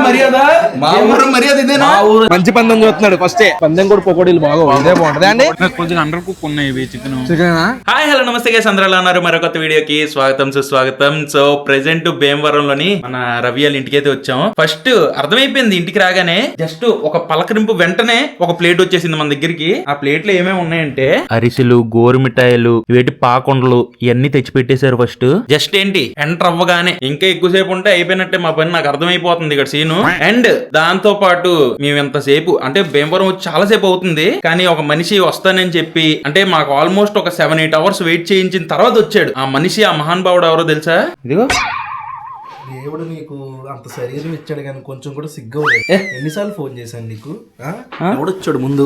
మర్యాద మా ఊరు మర్యాద ఇదేనా? మంచి పందెం చూస్తున్నాడు ఫస్ట్ పందెం కూడా పకోడీలు బాగా ఇదే బాగుంటది అండి. కొద్దిగా అండర్ కుక్ ఉన్నాయి చికెన్. హాయ్ హలో నమస్తే గైస్, అందరూ ఎలా ఉన్నారు? మరొక వీడియోకి స్వాగతం సుస్వాగతం. సో ప్రెసెంట్ భీమవరంలోని మన రవి వాళ్ళ ఇంటికి అయితే వచ్చాం. ఫస్ట్ అర్థమైపోయింది ఇంటికి రాగానే, జస్ట్ ఒక పలకరింపు వెంటనే ఒక ప్లేట్ వచ్చేసింది మన దగ్గరికి. ఆ ప్లేట్ లో ఏమేమి ఉన్నాయంటే అరిసెలు, గోరు మిఠాయిలు, వేటి పాకొండలు ఇవన్నీ తెచ్చి పెట్టేశారు. ఫస్ట్ జస్ట్ ఏంటి ఎంటర్ అవ్వగానే ఇంకా ఎక్కువసేపు ఉంటే అయిపోయినట్టే మా పని, నాకు అర్థమైపోతుంది ఇక్కడ సీను. అండ్ దాంతో పాటు మేము ఎంతసేపు అంటే భీమవరం వచ్చి చాలా సేపు అవుతుంది, కానీ ఒక మనిషి వస్తానని చెప్పి అంటే మాకు ఆల్మోస్ట్ ఒక 7-8 అవర్స్ వెయిట్ చేయించిన తర్వాత వచ్చాడు. ఆ మనిషి, ఆ మహానుభావుడు ఎవరో తెలుసా? ఇదిగో దేవుడు నీకు అంత శరీరం ఇచ్చాడు కానీ కొంచెం కూడా సిగ్గు. ఎన్నిసార్లు ఫోన్ చేశాను నీకు? ఎవడొచ్చాడు ముందు?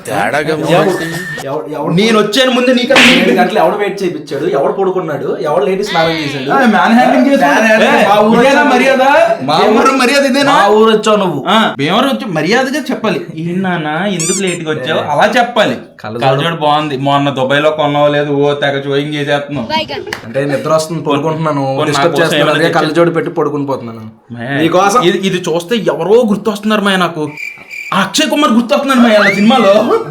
నేను వచ్చాను ముందు నీకు 7 గంటలు ఎవడు వెయిట్ చేయించాడు? ఎవడు పడుకున్నాడు? ఎవడు లేడీ స్నానం చేశాడు? మర్యాద మా ఊరు మర్యాద ఇదేనా? మా ఊరు వచ్చావు నువ్వు. భీమవరం వచ్చి మర్యాదగా చెప్పాలి. నాన్న ఎందుకు లేట్ గా వచ్చావు అలా చెప్పాలి. కళ్ళజోడు బాగుంది, మొన్న దుబాయ్ లో కొన్నావు లేదు, ఓ తెగ చోయింగ్ చేసేస్తున్నావు. అంటే నిద్ర వస్తుంది, పడుకుంటున్నాను, కళ్ళజోడు పెట్టి పడుకుని పోతున్నాను. ఇది చూస్తే ఎవరో గుర్తొస్తున్నారు మా నాకు. అక్షయ్ కుమార్ గుర్తొస్తున్నారు మా వాళ్ళ సినిమాలో.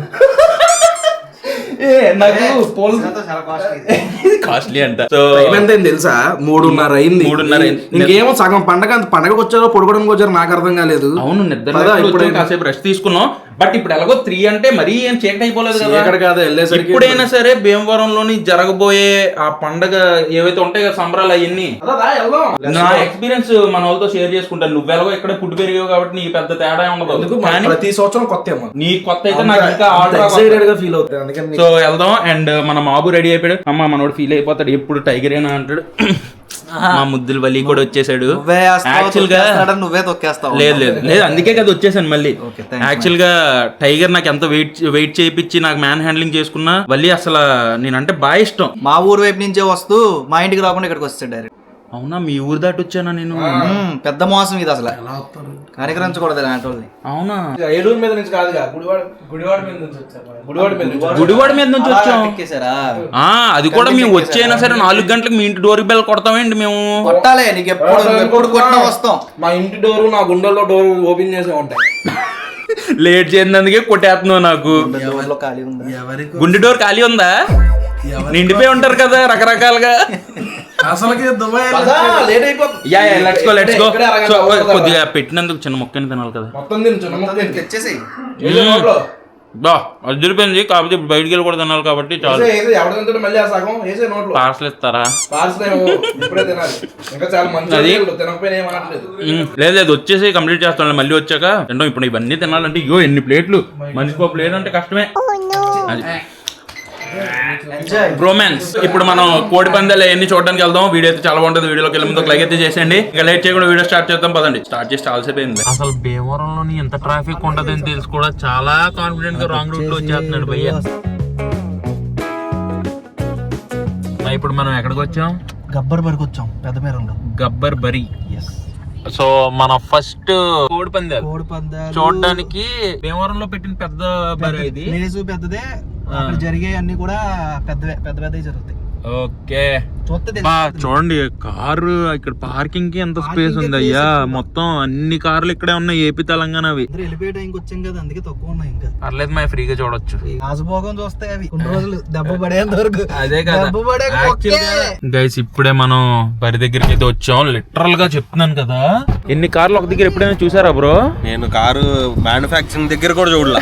నాకు కాస్ట్లీ అంట. సో తెలుసా? 3:30 అయింది. ఇంకేమో సగం పండగకు వచ్చారో పడుకోవడానికి వచ్చారో నాకు అర్థం కాలేదు. అవును, నిద్ర కాసేపు రెస్ట్ తీసుకున్నాం. బట్ ఇప్పుడు ఎలాగో 3 అంటే మరీ ఏం చీకటి అయిపోలేదు కదా. ఎప్పుడైనా సరే భీమవరంలోని జరగబోయే ఆ పండగ ఏవైతే ఉంటాయి కదా సంబరాలు, అవన్నీ నా ఎక్స్పీరియన్స్ మన వాళ్ళతో షేర్ చేసుకుంటాను. నువ్వు ఎలాగో ఇక్కడ పుట్టి పెరిగావు కాబట్టి నీకు పెద్ద తేడా ఉండదు. ప్రతి సంవత్సరం కొత్త నీ కొత్త అయితే నాకు ఇంకా ఫీల్ అవుతుంది. సో వెళ్దాం. అండ్ మన మాబు రెడీ అయిపోయాడు. అమ్మ మనోడు ఫీల్ అయిపోతాడు, ఎప్పుడు టైగర్ ఏనా అంటాడు. మా ముద్దులు వలి కూడా వచ్చేసాడు. యాక్చువల్ గా నువ్వే తొక్కేస్తావు. లేదు లేదు లేదు, అందుకే కదా వచ్చేసాను మళ్ళీ. యాక్చువల్ గా టైగర్ నాకు ఎంత వెయిట్ చేయించి నాకు మ్యాన్ హ్యాండ్లింగ్ చేసుకున్నా వల్లి అసలు నేనంటే బాగా ఇష్టం. మా ఊరు వైపు నుంచే వస్తూ మా ఇంటికి రాకుండా ఇక్కడికి వస్తాడు డైరెక్ట్. అవునా, మీ ఊరు దాటి వచ్చానా నేను? పెద్ద మోసం ఇది అసలు, కనికరించకూడదు అలాంటి. అవునా, ఏలూరు మీద నుంచి కాదుగా, గుడివాడ మీద నుంచి వచ్చాము. గుడివాడ మీద నుంచి వచ్చాం. అది కూడా మేము వచ్చైనా సరే 4 గంటలకు మీ ఇంటి డోర్ బెల్ కొడతామేంటి మేము? కొట్టాలి, నీకు ఎప్పుడు కొట్టినా వస్తాం. మా ఇంటి డోరు, నా గుండెల్లో డోర్ ఓపెన్ చేసే ఉంటాయి. లేట్ చేసినందుకే కొట్టేస్తున్నావు నాకు. గుండె డోర్ ఖాళీ ఉందా? నిండిపోయి ఉంటారు కదా రకరకాలుగా. కొద్దిగా పెట్టినందుకు చిన్న మొక్కని తినాలి కదా. అదిరిపోయింది, కాకపోతే ఇప్పుడు బయటికి వెళ్ళి కూడా తినాలి కాబట్టి చాలు. పార్సల్ ఇస్తారా? లేదు లేదు, వచ్చేసి కంప్లీట్ చేస్తాను. మళ్ళీ వచ్చాక తింటాం. ఇప్పుడు ఇవన్నీ తినాలంటే ఇగో ఎన్ని ప్లేట్లు, మనిషికి ప్లేట్ అంటే కష్టమే. బ్రోమాన్స్. ఇప్పుడు మనం కోడి పందాలు అవన్నీ చూడడానికి వెళ్దాం. వీడియో అయితే చాలా బాగుంటుంది. వీడియోకి వెళ్ళే ముందు లైక్ అయితే చేసేయండి. ఇంకా లేట్ చేయకుండా వీడియో స్టార్ట్ చేద్దాం పదండి. స్టార్ట్ చేసి చాలాసేపు. అసలు భీమవరంలోని ఎంత ట్రాఫిక్ ఉంటదని తెలుసు కూడా చాలా కాన్ఫిడెంట్ గా రాంగ్ రూట్ లో వచ్చేస్తున్నాడు భయ్య. ఇప్పుడు మనం ఎక్కడికి వచ్చాం? గబ్బర్ బరికి వచ్చాం, పెద్ద పేరులో గబ్బర్ బరి. సో మన ఫస్ట్ కోడి పందాలు చూడడానికి భీమవరంలో పెట్టిన పెద్ద బరి. ఇది పెద్దదే, జరిగే అన్ని కూడా పెద్ద జరుగుతాయి. ఓకే, చూడండి కారు ఇక్కడ పార్కింగ్ కి ఎంత స్పేస్ ఉంది అయ్యా. మొత్తం అన్ని కార్లు ఇక్కడే ఉన్నాయి, ఏపీ తెలంగాణ. అవి వెళ్ళిపోయే టైంకి వచ్చాం కదా, అందుకే తక్కువ ఉన్నాయి. ఇంకా పర్లేదు, మా ఫ్రీగా చూడొచ్చు. రాజభోగం చూస్తాయి అవి కొన్ని రోజులు, దెబ్బ పడేంత వరకు. అదే కదా గైస్, ఇప్పుడే మనం బరి దగ్గరికి అయితే వచ్చాం. లిటరల్ గా చెప్తున్నాను కదా, ఎన్ని కార్లు ఒక దగ్గర ఎప్పుడైనా చూసారా బ్రో? నేను కారు మ్యానుఫాక్చరింగ్ దగ్గర కూడా చూడలే.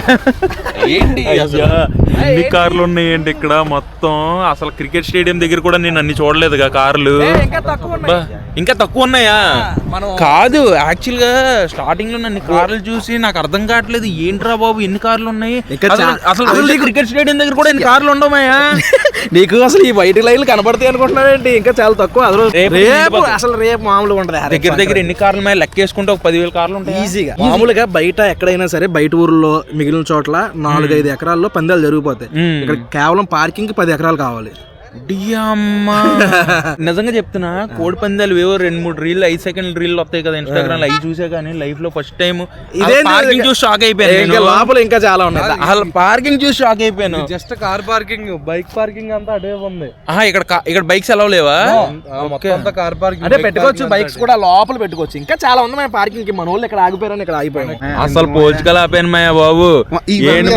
ఎన్ని కార్లు ఉన్నాయండి ఇక్కడ మొత్తం. అసలు క్రికెట్ స్టేడియం దగ్గర కూడా నేను అన్ని చూడలేదుగా కార్లు. ఇంకా తక్కువ ఉన్నాయా? కాదు, యాక్చువల్ గా స్టార్టింగ్ లో నన్ను కార్లు చూసి నాకు అర్థం కావట్లేదు, ఏంట్రా బాబు ఎన్ని కార్లు ఉన్నాయి. అసలు క్రికెట్ స్టేడియం దగ్గర కూడా ఎన్ని కార్లు ఉండమాయా? నీకు అసలు ఈ వైట్ లైన్లు కనబడతాయి అనుకుంటున్నారేంటి? ఇంకా చాలా తక్కువ. అసలు రేపు మామూలుగా ఉంటది. దగ్గర దగ్గర ఎన్ని కార్లు ఉన్నాయి లెక్కేసుకుంటే ఒక 10,000 కార్లు ఉంటాయి ఈజీగా. మామూలుగా బయట ఎక్కడైనా సరే, బయట ఊర్లో మిగిలిన చోట్ల 4-5 ఎకరాల్లో పందాలు జరిగిపోతాయి. ఇక్కడ కేవలం పార్కింగ్ 10 ఎకరాలు కావాలి. నిజంగా చెప్తున్నా, కోడి పందాలు ఏవో 2-3 రీల్ 5 సెకండ్ రీల్ వస్తాయి కదా ఇన్స్టాగ్రామ్ లో, అవి చూసా కానీ లైఫ్ లో ఫస్ట్ టైం పార్కింగ్ చూసి షాక్ అయిపోయాను. లోపల ఇంకా చాలా ఉన్నాయి. అసలు పార్కింగ్ చూసి షాక్ అయిపోయాను. Just car parking, bike parking అంతా అదే ఉంది. ఇక్కడ బైక్స్ ఎలా లేవా? కార్ పార్కింగ్ అంటే పెట్టుకోవచ్చు, బైక్స్ కూడా లోపల పెట్టుకోవచ్చు. ఇంకా చాలా ఉంది మన పార్కింగ్ కి. మన వాళ్ళు ఇక్కడ ఆగిపోయారని ఇక్కడ ఆగిపోయాను. అసలు పోల్చుకలు ఆపాను మాయా బాబు. ఏంటి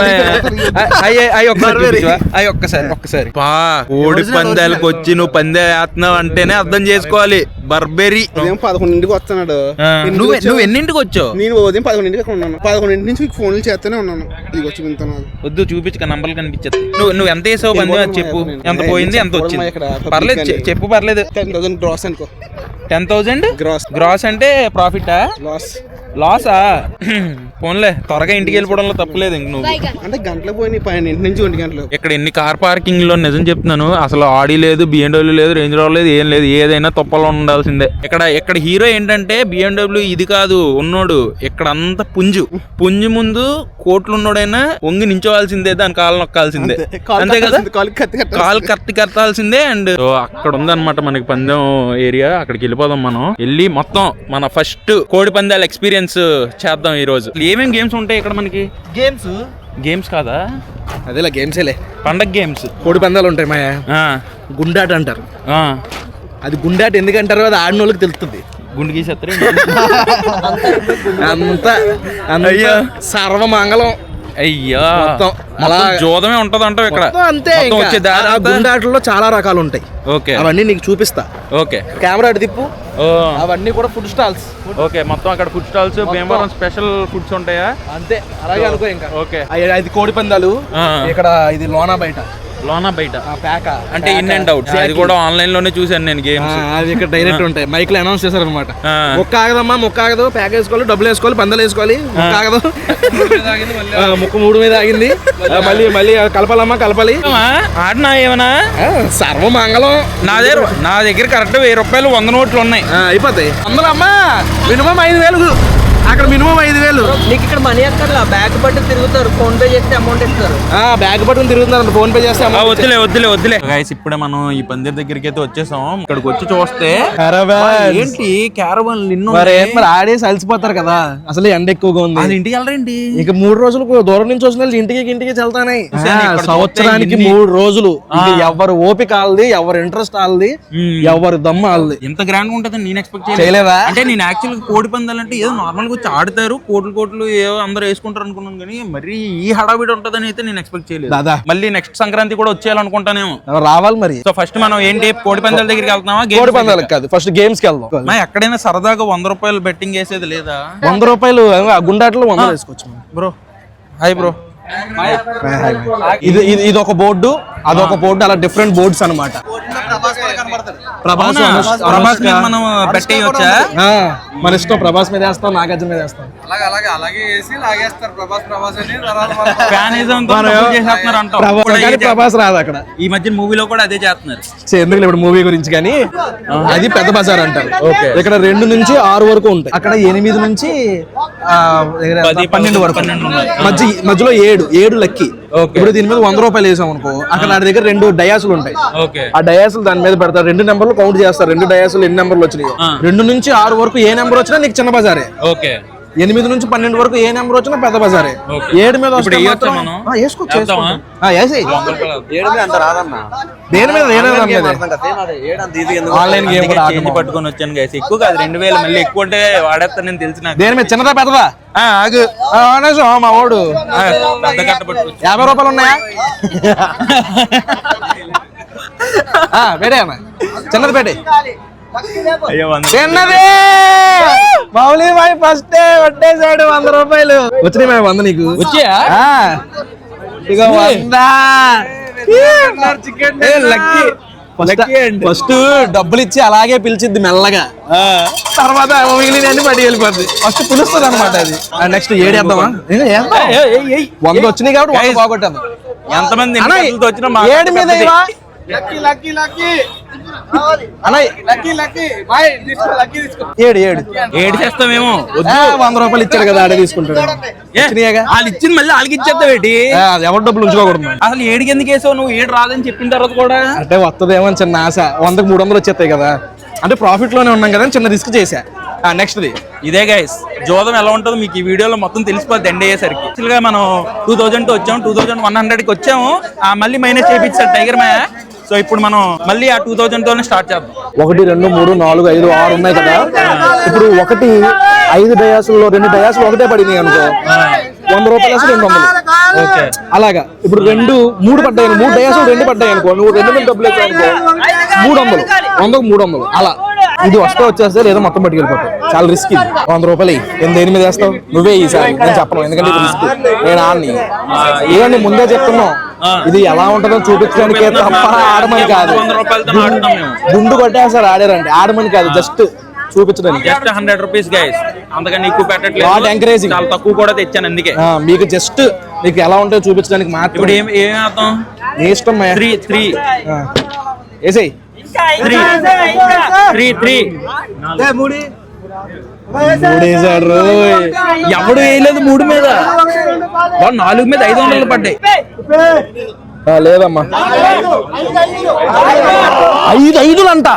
ఒక్కసారి కోడి పందాలకు వచ్చి నువ్వు పందే వేస్తున్నావు అంటేనే అర్థం చేసుకోవాలి. బర్బెరీ 11ంటికి వస్తున్నాడు. నువ్వు ఎన్నింటికి వచ్చావు? నేను ఉదయం 11ంటికి ఉన్నాను. 11 నుంచి మీకు ఫోన్లు చేస్తూనే ఉన్నాను. ఇది వచ్చి వింటున్నాను. వద్దు చూపించక నంబర్లు కనిపించదు. నువ్వు ఎంత వేసావు పందే అది చెప్పు. ఎంత పోయింది, ఎంత వచ్చింది? పర్లేదు చెప్పు, పర్లేదు. 10,000 గ్రాస్ అనుకో. 10,000 గ్రాస్. గ్రాస్ అంటే ప్రాఫిటా లాసా? పోన్లే, త్వరగా ఇంటికి వెళ్ళిపోవడంలో తప్పులేదు. ఇంక నువ్వు అంటే గంటలు పోయినాయి, 12 నుంచి 1 గంటలు. ఇక్కడ ఎన్ని కార్ పార్కింగ్ లో నిజం చెప్తున్నాను, అసలు ఆడి లేదు, BMW లేదు, రేంజ్ రోవర్ లేదు, ఏం లేదు. ఏదైనా తొప్పలో ఉండాల్సిందే. ఇక్కడ హీరో ఏంటంటే BMW ఇది కాదు ఉన్నోడు. ఇక్కడ అంతా పుంజు ముందు కోట్లు ఉన్నోడైనా వంగి నించోవాల్సిందే, దాని కాలు నొక్కాల్సిందే, అంతే కదా, కాలు కట్టాల్సిందే. అండ్ అక్కడ ఉందన్నమాట మనకి పందెం ఏరియా. అక్కడికి వెళ్ళిపోదాం మనం. వెళ్ళి మొత్తం మన ఫస్ట్ కోడి పందాల ఎక్స్పీరియన్స్ చేద్దాం ఈ రోజు. ఏమేం గేమ్స్ ఉంటాయి ఇక్కడ మనకి? గేమ్స్ కాదా, అదేలా గేమ్సేలే. పండగ గేమ్స్, కోడి పందాలు ఉంటాయి మాయా. గుండాట అంటారు. అది గుండాట ఎందుకంటారు, అది ఆడిన వాళ్ళకి తెలుస్తుంది. గుండు గీసేస్తారు అంతా సర్వమంగళం. అయ్యా అలా జోదమే ఉంటది అంటావు ఇక్కడ. అంతే. గుండాటల్లో చాలా రకాలు ఉంటాయి. ఓకే, అవన్నీ నీకు చూపిస్తా. ఓకే, కెమెరా అటు తిప్పు. అవన్నీ కూడా ఫుడ్ స్టాల్స్. ఓకే, మొత్తం అక్కడ food stalls, Bhimavaram special foods ఉంటాయా? అంతే, అలాగే అనుకో. ఇంకా ఓకే, అది కోడి పందాలు. ఇక్కడ ఇది లోనా బయట ప్యాక అంటే ఇన్ అండ్ అవుట్. అది కూడా ఆన్లైన్ లోనే చూసాను నేను గేమ్స్. అది ఇక్కడ డైరెక్ట్ ఉంటాయి. మైక్ లో అనౌన్స్ చేశారు అనమాట. మొక్క ఆగదమ్మా, మొక్క ఆగదు, ప్యాక్ వేసుకోవాలి, డబ్బులు వేసుకోవాలి, పందాలు వేసుకోవాలి, మొక్క ఆగదు, ముక్క 3 మీద ఆగింది, మళ్ళీ కలపాలమ్మా, కలపాలి. ఆడినా ఏమన్నా సర్వమంగళం. నా దగ్గర కరెక్ట్ 1000 రూపాయలు 100 నోట్లు ఉన్నాయి. అయిపోతాయి. అందులో అమ్మా మినిమం 5,000. అక్కడ మినిమం 5,000. నీకు ఇక్కడ మనీ అక్కర్లా, బ్యాగ్ పట్టుకుని తిరుగుతారు, ఫోన్ పే చేస్తే అమౌంట్ ఇస్తారు. బ్యాగ్ పట్టుకుని తిరుగుతున్నారు, ఫోన్ పే చేస్తే వద్దులే గైస్. ఇప్పుడే మనం ఈ పందిర్ దగ్గరికి అయితే వచ్చేసాం. ఇక్కడికి వచ్చి చూస్తే ఏంటి క్యారవాన్ మరి ఆడేసి అలసిపోతారు కదా. అసలు ఎండ ఎక్కువగా ఉంది. అది ఇంటికి వెళ్ళరండి. ఇక 3 రోజులు దూరం నుంచి వచ్చిన ఇంటికి వెళ్తానే. సంవత్సరానికి 3 రోజులు. ఎవరు ఓపిక ఆల్ది, ఎవరు ఇంట్రెస్ట్ ఆల్ది, ఎవరు దమ్మ ఆల్ది. ఎంత గ్రాండ్ ఉంటది నేను ఎక్స్పెక్ట్ చేయలేదా? అంటే నేను యాక్చువల్ కోడి పందాలంటే ఏదో నార్మల్ గా వచ్చి ఆడతారు, కోట్లు ఏవో అందరూ వేసుకుంటారు అనుకున్నాను, కానీ మరి ఈ హడావిడి ఉంటదని అయితే నేను ఎక్స్పెక్ట్ చేయలేదు. మళ్ళీ నెక్స్ట్ సంక్రాంతి కూడా వచ్చేయాలనుకుంటానేమో. రావాలి మరి. సో ఫస్ట్ మనం ఏంటి కోడి పందాల దగ్గరికి వెళ్తున్నామా? కోడి పందాలకు కాదు, ఫస్ట్ గేమ్స్ కి వెళ్దాం. ఎక్కడైనా సరదాగా 100 రూపాయలు బెట్టింగ్ వేసేది లేదా? 100 రూపాయలు గుండాట్లో 100 వేసుకోవచ్చు బ్రో. Hi bro. ఇది ఒక బోర్డు, అదొక బోర్డు, అలా డిఫరెంట్ బోర్డ్స్ అనమాట. ప్రభాస్ మీద మనం బెట్ వేయొచ్చా? మన ఇష్టం. ప్రభాస్ మీద వేస్తాం, నాగార్జున మీద వేస్తాం. ప్రభాస్ రాదు అక్కడ. ఈ మధ్య మూవీలో కూడా అదే చేస్తున్నారు. ఎందుకు ఇప్పుడు మూవీ గురించి, కానీ అది పెద్ద బజార్ అంటారు. ఇక్కడ 2 నుంచి 6 వరకు ఉంటాయి. అక్కడ 8 నుంచి 12 వరకు. మధ్యలో 7 లక్కీ. ఇప్పుడు దీని మీద 100 రూపాయలు వేసాం అనుకో, అక్కడ నా దగ్గర 2 డయాసులు ఉంటాయి. ఆ డయాసులు దాని మీద పెడతారు. 2 నెంబర్లు కౌంట్ చేస్తారు. 2 డయాసులు ఎన్ని నెంబర్లు వచ్చినాయో, 2 నుంచి 6 వరకు ఏ నెంబర్ వచ్చినా నీకు చిన్న బజారే. 8 నుంచి 12 వరకు ఏ నెంబర్ వచ్చినా పెద్ద బజారే. 7 మీద వేసుకోవచ్చు. దేని మీద ఆన్లైన్ గేమ్ పట్టుకొని వచ్చాను గైస్. ఎక్కువ కాదు 2000, మళ్ళీ ఎక్కువ అంటే వాడేస్తా నేను తెలిసిన. దేని మీద చిన్నదా పెద్దదా? ఆగు మా వాడు 50 రూపాయలు ఉన్నాయా? పెట్టే అన్న, చిన్నది పెట్టే. చిన్నది మౌలి బాయ్ ఫస్ట్ పట్టేశాడు 100 రూపాయలు. వచ్చినాయి మేము 100 నీకు వచ్చా? ఇక 100 ఫస్ట్ డబ్బులు ఇచ్చి అలాగే పిలిచిద్ది మెల్లగా, తర్వాత మిగిలిన పడి వెళ్ళిపోద్ది. ఫస్ట్ పిలుస్తుంది అనమాట అది. నెక్స్ట్ 7 వేద్దామా? 100 వచ్చినాయి కాబట్టి 100 బాగొట్టాము. ఎంతమంది 7 మీద ఏడు ఏడు ఏడు చేస్తామేమో 100 రూపాయలు ఇచ్చాడు కదా ఆడే తీసుకుంటాడు. వచ్చినాయిగా. వాళ్ళు ఇచ్చింది మళ్ళీ వాళ్ళకి ఇచ్చేస్తావు ఏంటి? అది ఎవరి డబ్బులు ఉంచుకోకూడదు మరి. అసలు ఏడుకి ఎందుకు వేసావు నువ్వు? ఏడు రాదని చెప్పిన తర్వాత కూడా అంటే వస్తుందేమో అని చిన్న ఆశ. 100కి 300 వచ్చేస్తాయి కదా, అంటే ప్రాఫిట్ లోనే ఉన్నాం కదా అని చిన్న రిస్క్ చేశా. నెక్స్ట్ ది ఇదే గైస్, జోదం ఎలా ఉంటుందో మీకు ఈ వీడియోలో మొత్తం తెలిసిపోద్ది ఎండ్ అయ్యేసరికి. యాక్చువల్ గా మనం 2000 వచ్చాము, 2100కి వచ్చాము, మళ్ళీ మైనస్ చేయించాడు టైగర్ మాయ. సో ఇప్పుడు మనం మళ్ళీ ఆ 2000 తోనే స్టార్ట్ చేద్దాం. 1 2 3 4 5 6 ఉన్నాయి కదా. ఇప్పుడు 5 డయాసుల్లో 2 డయాసులు ఒకటే పడినాయి అనుకో, 100 రూపాయలు వేసి 200. ఓకే, అలాగా ఇప్పుడు 3 పడ్డాయి, 3 డయాసులు 2 పడ్డాయి అనుకో, నువ్వు 2 మీద డబ్బులు వేసావు అనుకో 300, 100కు 300 అలా. ఇది వచ్చేస్తే లేదా మొత్తం పట్టుకెళ్ళిపోతావు. చాలా రిస్క్. 100 రూపాయలు దేని మీద వేస్తావు? నువ్వే ఈసారి, నేను చెప్పను ఎందుకంటే రిస్క్. నేను ఆడిని ఏమని ముందే చెప్తున్నావు, ఇది ఎలా ఉంటుందో చూపించడానికి తప్ప ఆడమని కాదు. గుండు కొట్టేసారు ఆడారంటే, ఆడమని కాదు, జస్ట్ చూపించడానికి. జస్ట్ 100 రూపీస్ గైస్, అంతకని ఎక్కువ పెట్టట్లేదు, ఎంకరేజింగ్. చాలా తక్కువ కూడా తెచ్చాను అందుకే. మీకు జస్ట్ మీకు ఎలా ఉంటుందో చూపించడానికి మాత్రం. ఇప్పుడు ఏం అర్థం? నీ ఇష్టం. 3 వేసేయ్. 3 వేసాడు. ఎవడు వేయలేదు 3 మీద, 4 మీద 500 పడ్డాయి. లేదమ్మా, 5 అంట.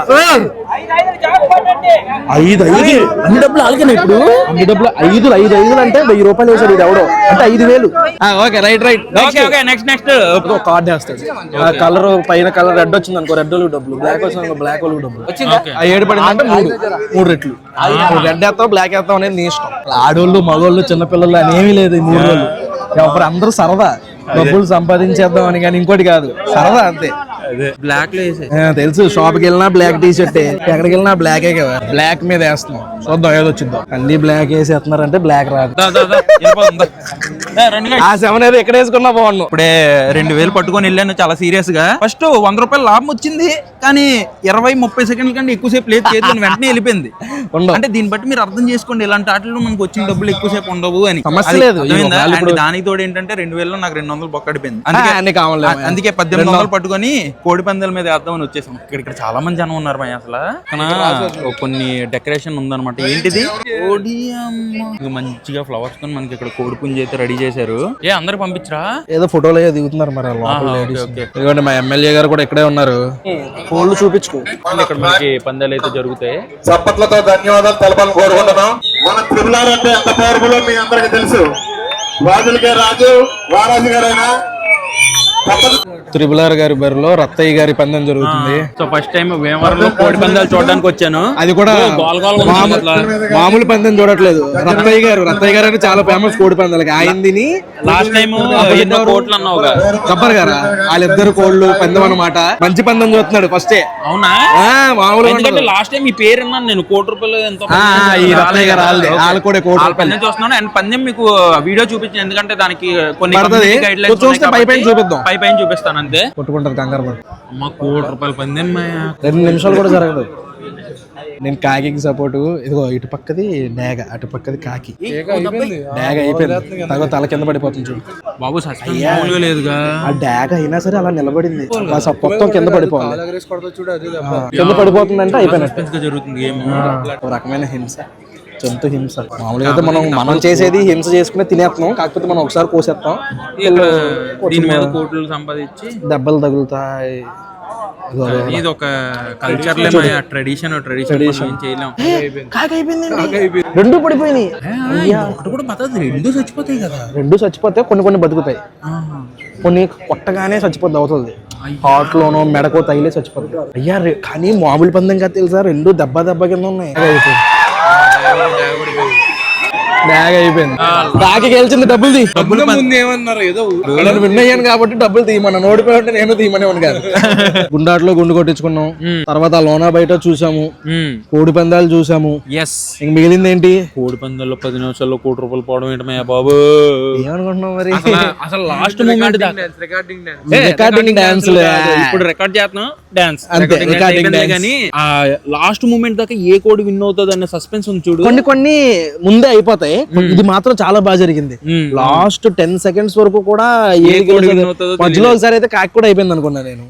5 అన్ని డబ్బులు ఆలకనే. ఇప్పుడు అన్ని డబ్బులు 5 అంటే 1000 రూపాయలు వేసాడు ఇది ఎవడో, అంటే 5000. Okay, right. నెక్స్ట్ కార్డ్ వేస్తాడు. కలర్ పైన కలర్ రెడ్ వచ్చింది అనుకో, రెడ్ వాళ్ళకి డబ్బులు, బ్లాక్ వచ్చింది బ్లాక్ వాళ్ళకి డబ్బులు. 7 పడిందంటే 3 రెట్లు. రెడ్ వేస్తావు బ్లాక్ వేస్తావు అనేది నీ ఇష్టం. ఆడోళ్ళు మగోళ్ళు చిన్నపిల్లలు అనేమీ లేదు ఈ 3 రోజులు. ఎవరు అందరూ సరదా, డబ్బులు సంపాదించేద్దాం అని, కానీ ఇంకోటి కాదు, సరదా అంతే. బ్లాక్ లో వేసే తెలుసు, షాప్ కి వెళ్ళినా బ్లాక్ టీ షర్ట్, ఎక్కడికి వెళ్ళినా బ్లాకే కదా. బ్లాక్ మీద వేస్తున్నాం, చూద్దాం ఏదో వచ్చిందో. అన్ని బ్లాక్ వేసేస్తున్నారంటే బ్లాక్ రాదు. ఆ 7 ఏదో ఎక్కడ వేసుకున్నా బాగున్నావు. ఇప్పుడే 2000 పట్టుకొని వెళ్ళాను చాలా సీరియస్ గా. ఫస్ట్ 100 రూపాయలు లాభం వచ్చింది, కానీ 20-30 సెకండ్ల కంటే ఎక్కువసేపు లేదు చేతిలో, వెంటనే వెళ్ళిపోయింది. అంటే దీన్ని బట్టి మీరు అర్థం చేసుకోండి, ఇలాంటి ఆటల్లో మనకు వచ్చిన డబ్బులు ఎక్కువసేపు ఉండవు అని. సమస్య లేదు. దానికి తోడు ఏంటంటే 2000లో నాకు 200 బొక్కడిపోయింది. అందుకే 1800 పట్టుకొని కోడి పందాల మీద వేద్దామని వచ్చేసాం. ఇక్కడ చాలా మంది జనం ఉన్నారు భయ. అసలు కొన్ని డెకరేషన్ ఉందన్నమాట. ఏంటిది? మంచిగా ఫ్లవర్స్ తో మనకి ఇక్కడ కోడి పుంజ అయితే రెడీ చేశారు. అందరు పంపించరా? ఏదో ఫోటోలు దిగుతున్నారు మరి. ఎందుకంటే మా ఎమ్మెల్యే గారు కూడా ఇక్కడే ఉన్నారు. ఫోన్లు చూపించుకో. ఇక్కడ మనకి పందాలు అయితే జరుగుతాయి. చప్పట్లతో ధన్యవాదాలు తెలపాలని కోరుకుంటున్నాం. మన తిరుమల అంటే ఎంత పవర్ఫుల్ మీ అందరికి తెలుసు. రాజులకే రాజు, వారాజు గారైనా త్రిబులార్ గారి బరిలో రత్తయ్య గారి పందెం జరుగుతుంది. సో ఫస్ట్ టైం వేమవరంలో కోడి పందాలు చూడడానికి వచ్చాను. అది కూడా మామూలు పందెం చూడట్లేదు. రత్తయ్య గారు అంటే చాలా ఫేమస్ కోడి పందాలకి. ఆయనది లాస్ట్ టైం కోట్లు అన్నావు గబ్బర్ గారా, వాళ్ళిద్దరు కోళ్ళు పందెం అన్నమాట. మంచి పందెం చూస్తున్నాడు ఫస్టే. అవునా? మామూలు లాస్ట్ టైం ఈ పేరు అన్నాను నేను. ₹1 ఎంతో రత్తయ్య గారు వాళ్ళు కూడా పందెం చూస్తున్నాను. అండ్ పందెం మీకు వీడియో చూపించాను, ఎందుకంటే దానికి కొన్ని గైడ్ లైన్స్ చూస్తే పైపైన చూపిస్తాను అంతే. కొట్టుకుంటారు కంగారు పడి. అమ్మ ₹1 పందెం 2 నిమిషాలు కూడా జరగదు. నేను కాకి సపోర్ట్. ఇదిగో ఇటు పక్కది డేగ, అటు పక్కది కాకి. డేగ అయిపోయింది, తల కింద పడిపోతుంది చూడు బాబు. లేదుగా ఆ డేగ అయినా సరే అలా నిలబడింది, మొత్తం కింద పడిపోవాలి. కింద పడిపోతుందంటే అయిపోయినట్టు జరుగుతుంది. ఒక రకమైన హింస, జంతు హింస. మామూలుగా అయితే మనం చేసేది హింస చేసుకుని తినేస్తున్నాం, కాకపోతే మనం ఒకసారి కోసేస్తాం. దీని మీద కోట్లు సంపాదించి దెబ్బలు తగులుతాయి. ఇది ఒక కల్చర్, ట్రెడిషన్ చేయలేం. రెండు పడిపోయినాయి. కూడా బతకదు, 2 చచ్చిపోతాయి కదా. 2 చచ్చిపోతే కొన్ని బతుకుతాయి, కొన్ని కొట్టగానే చచ్చిపోద్ది అవుతుంది. హార్ట్ లోనో మెడకో తగిలే చచ్చిపోతాయి. అయ్యా కానీ మామూలు పందెం కదా తెలుసా, 2 దెబ్బ కింద ఉన్నాయి. బ్యాగ్ అయిపోయింది. బ్యాగ్ గెలిచింది, డబ్బులు ఏమన్నారు ఏదో విన్ అయ్యాను కాబట్టి డబ్బులు తీయమన్నా. ఓడిపోయి నేను తీయమని కాదు. గుండాట్లో గుండు కొట్టించుకున్నాం. తర్వాత లోనా బయట చూసాము, కోడి పందాలు చూసాము. ఇంక మిగిలింది ఏంటి? కోడి పందాల్లో 10 నిమిషాల్లో ₹1 పోవడం ఏంటమయ్యా బాబు. ఏమనుకుంటున్నావు మరి? అసలు లాస్ట్ మూమెంట్ రికార్డింగ్ డాన్స్. ఇప్పుడు రికార్డ్ చేస్తున్నాం డాన్స్ కానీ ఆ లాస్ట్ మూమెంట్ దాకా ఏ కోడి విన్ అవుతుంది అనే సస్పెన్స్ ఉంది చూడు. కొన్ని ముందే అయిపోతాయి, ఇది మాత్రం చాలా బాగా జరిగింది. లాస్ట్ 10 seconds వరకు కూడా మధ్యలో ఒకసారి అయితే కాకి కూడా అయిపోయింది అనుకున్నా నేను.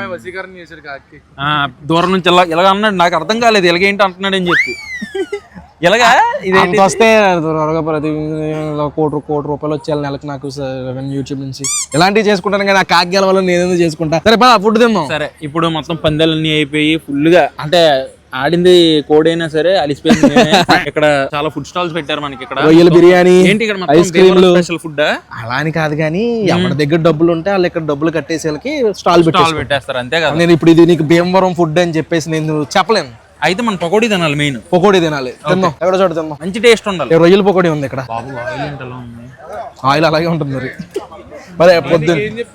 దూరం నుంచి ఇలాగ అన్నాడు, నాకు అర్థం కాలేదు ఇలాగేంటి అంటున్నాడు అని చెప్పి. ఇలాగా ఇది వస్తే త్వరగా ప్రతి కోటి రూపాయలు వచ్చేయాలి నెలకు నాకు యూట్యూబ్ నుంచి. ఇలాంటివి చేసుకుంటాను కానీ ఆ కాకి గెలవాలని నేనేదో చేసుకుంటా. సరే ఫుడ్ తిందాం. సరే ఇప్పుడు మొత్తం పందాలన్నీ అయిపోయి ఫుల్ గా, అంటే ఆడింది కోడైనా సరే అలిసిపోయింది. ఇక్కడ చాలా ఫుడ్ స్టాల్స్ పెట్టారు మనకి. ఇక్కడ రొయ్యల బిర్యానీ, ఏంటి ఇక్కడ ఐస్ క్రీమ్లు, స్పెషల్ ఫుడ్. అలా అని కాదు కానీ ఎవరి దగ్గర డబ్బులు ఉంటే వాళ్ళు ఇక్కడ డబ్బులు కట్టేసి వాళ్ళకి స్టాల్ పెట్టేస్తారు అంతే కదా. నేను ఇప్పుడు ఇది నీకు భీమవరం ఫుడ్ అని చెప్పేసి నేను చెప్పలేను. అయితే మనం పకోడీ తినాలి, మెయిన్ పకోడీ తినాలి. తిందాం, ఎక్కడ చోట తిందాం. మంచి టేస్ట్ ఉండాలి. రొయ్యల పకోడీ ఉంది ఇక్కడ. ఆయిల్ అలాగే ఉంటుంది మరి. మరి పొద్దున్న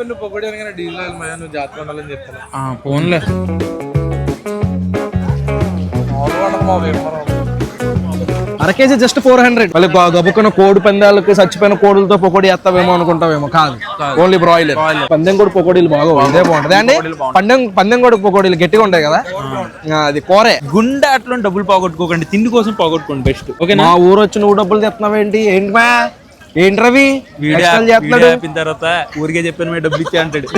ఫోన్లే అరకేజీ జస్ట్ 400. మళ్ళీ గబుక్కున్న కోడి పందాలకు చచ్చిపోయిన కోడులతో పకోడీ వేస్తావేమో అనుకుంటావేమో. కాదు, ఓన్లీ బ్రాయిలర్. పందెం కూడా పకోడీలు బాగా ఇదే బాగుంటది అండి. పందెం కూడా పకోడీలు గట్టిగా ఉంటాయి కదా, అది కోరే. గుండె అట్లా డబ్బులు పోగొట్టుకోకండి, తిండి కోసం పోగొట్టుకోండి బెస్ట్. ఓకే, మా ఊరు వచ్చి నువ్వు డబ్బులు తెస్తున్నావు ఏంటి మా ఏంటి రవి చేస్తున్నాడు తర్వాత ఊరికే చెప్పాను డబ్బులు ఇచ్చా అంటాడు.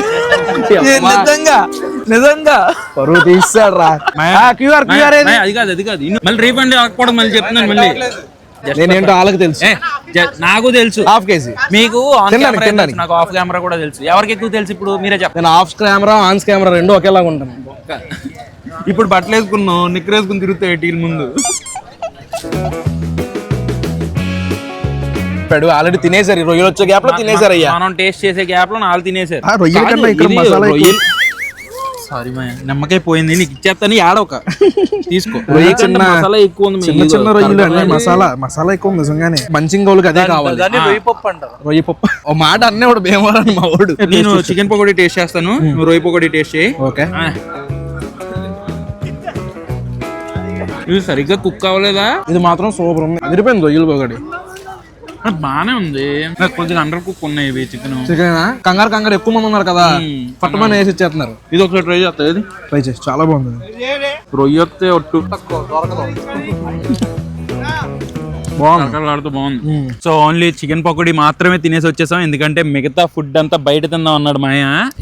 నిజంగా పరువు తీస్తాడు రా. అది కాదు మళ్ళీ రీఫండ్ అవ్వకూడదు మళ్ళీ చెప్తున్నాను. మళ్ళీ నేనేంటో వాళ్ళకి తెలుసు, నాకు తెలుసు. హాఫ్ కేజీ మీకు నాకు ఆఫ్ కెమెరా కూడా తెలుసు. ఎవరికి ఎక్కువ తెలుసు ఇప్పుడు మీరే చెప్పండి. నేను ఆఫ్ కెమెరా ఆన్ కెమెరా రెండు ఒకేలాగా ఉంటాను. ఇప్పుడు బట్టలు వేసుకున్నావు, నిక్కర్ వేసుకుని తిరుగుతాయి టీల్ ముందు. ఆల్రెడీ తినేసారు, రొయ్యలు వచ్చే గ్యాప్ లో తినేసారు. అయ్యా మనం టేస్ట్ చేసే గ్యాప్ లో వాళ్ళు తినేసారు. సారీ మా నిమ్మకాయ పోయింది, నీకు ఇచ్చేస్తాను ఆడొక తీసుకో. మసాలా ఎక్కువ ఉంది, చిన్న రొయ్యలు అన్నీ మసాలా ఎక్కువ ఉంది నిజంగానే. మంచింగోళ్ళకి అదే కావాలి, రొయ్యి పప్పు అంటారు. రొయ్యి పప్పు ఓ మాట అన్నీ వాడు భీమవరం మా వాడు. నేను చికెన్ పకోడీ టేస్ట్ చేస్తాను, నువ్వు రొయ్యి పకోడీ టేస్ట్ చేయి. ఓకే, ఇది సరిగ్గా కుక్ అవ్వలేదా? ఇది మాత్రం సూపర్ ఉంది, అదిరిపోయింది రొయ్యలు పకోడీ. బానే ఉంది, కొద్దిగా అండర్ కుక్ ఉన్నాయి ఇవి. చికెన్ కంగారు ఎక్కువ మంది ఉన్నారు కదా, పట్టమని వేసి ఇచ్చేస్తున్నారు. ఇది ఒకసారి ట్రై చేస్తా, ట్రై చేసి చాలా బాగుంది. రొయ్య వస్తే ఒట్టు బాగుంది. సో ఓన్లీ చికెన్ పకోడీ మాత్రమే తినేసి వచ్చేసాం, ఎందుకంటే మిగతా ఫుడ్ అంతా బయట తిందాం అన్నాడు మాయ.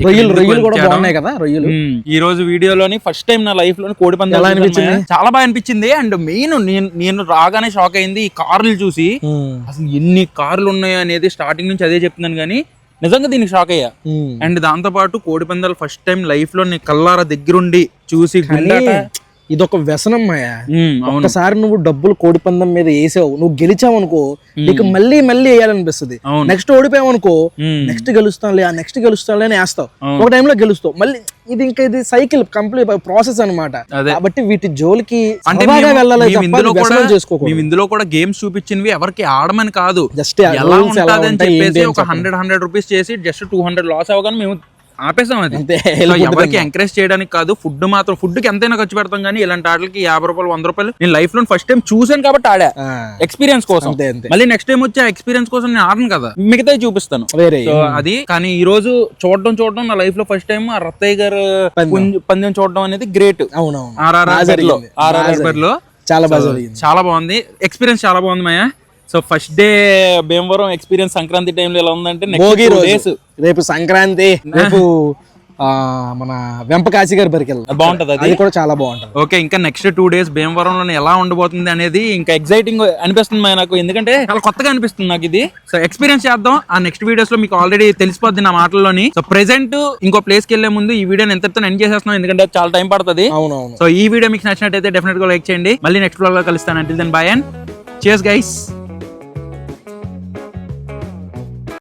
ఈ రోజు వీడియోలోని ఫస్ట్ టైం నా లైఫ్ లోని కోడి పందాలు అనిపించింది, చాలా బాగా అనిపించింది. అండ్ మెయిన్ నేను రాగానే షాక్ అయింది ఈ కార్లు చూసి. అసలు ఎన్ని కార్లు ఉన్నాయో అనేది స్టార్టింగ్ నుంచి అదే చెప్తున్నాను కానీ నిజంగా దీనికి షాక్ అయ్యా. అండ్ దాంతో పాటు కోడి పందాలు ఫస్ట్ టైం లైఫ్ లో కల్లారా దగ్గరుండి చూసి ఇదొక వ్యసనం మాయా. ఒకసారి నువ్వు డబ్బులు కోడి పందెం మీద వేసావు, నువ్వు గెలిచావు అనుకో, నీకు మళ్ళీ వేయాలనిపిస్తుంది. నెక్స్ట్ ఓడిపోయావు అనుకో, నెక్స్ట్ గెలుస్తానులే అని వేస్తావు. ఒక టైంలో గెలుస్తావు మళ్ళీ. ఇది సైకిల్ కంప్లీట్ ప్రాసెస్ అన్నమాట. కాబట్టి వీటి జోలికి ఇందులో కూడా గేమ్స్ చూపించినవి ఎవరికి ఆడమని కాదు, జస్ట్ ఎలా ఉంటది అని చెప్పేసి ఒక 100 రూపీస్ చేసి జస్ట్ 200 లాస్ అవగానే మేము ఆపేసాం. అది ఎవరికి ఎంకరేజ్ చేయడానికి కాదు, ఫుడ్ కి ఎంతైనా ఖర్చు పెడతాం కానీ ఇలాంటి ఆటలకి 50 రూపాయలు 100 రూపాయలు నేను లైఫ్ లో ఫస్ట్ టైం చూసాను కాబట్టి ఆడా, ఎక్స్పీరియన్స్ కోసం. మళ్ళీ నెక్స్ట్ టైం వచ్చి ఎక్స్పీరియన్స్ కోసం నేను ఆడను కదా, మిగతా చూపిస్తాను అది. కానీ ఈ రోజు చూడడం నా లైఫ్ లో ఫస్ట్ టైం ఆ రత్తయ్య గారు పందెం చూడడం అనేది గ్రేట్. ఆర్ఆర్ లో చాలా బాగుంది, ఎక్స్పీరియన్స్ చాలా బాగుంది మాయా. So first day Bhimavaram experience Sankranti టైంలో ఎలా ఉందంటే, రేపు సంక్రాంతి, రేపు మన వెంపకాశి గారి బరికి బాగుంటది, అది కూడా చాలా బాగుంటది. ఓకే, ఇంకా నెక్స్ట్ 2 days భీమవరంలో ఎలా ఉండబోతుంది అనేది ఇంకా ఎక్సైటింగ్ అనిపిస్తుంది నాకు, ఎందుకంటే చాలా కొత్తగా అనిపిస్తుంది నాకు ఇది. సో ఎక్స్పీరియన్స్ చేద్దాం. ఆ నెక్స్ట్ వీడియోస్ లో మీకు ఆల్రెడీ తెలిసిపోద్ది నా మాటల్లోని. సో ప్రెసెంట్ ఇంకో ప్లేస్ కి వెళ్లే ముందు ఈ వీడియోని ఎంతతో ఎండ్ చేసేస్తున్నాం, ఎందుకంటే చాలా టైం పడుతుంది. అవునవును. సో ఈ వీడియో మీకు నచ్చినట్టయితే డెఫినెట్ గా లైక్ చేయండి. మళ్ళీ నెక్స్ట్ వ్లాగ్ లో కలుస్తాను. Until then bye and cheers guys.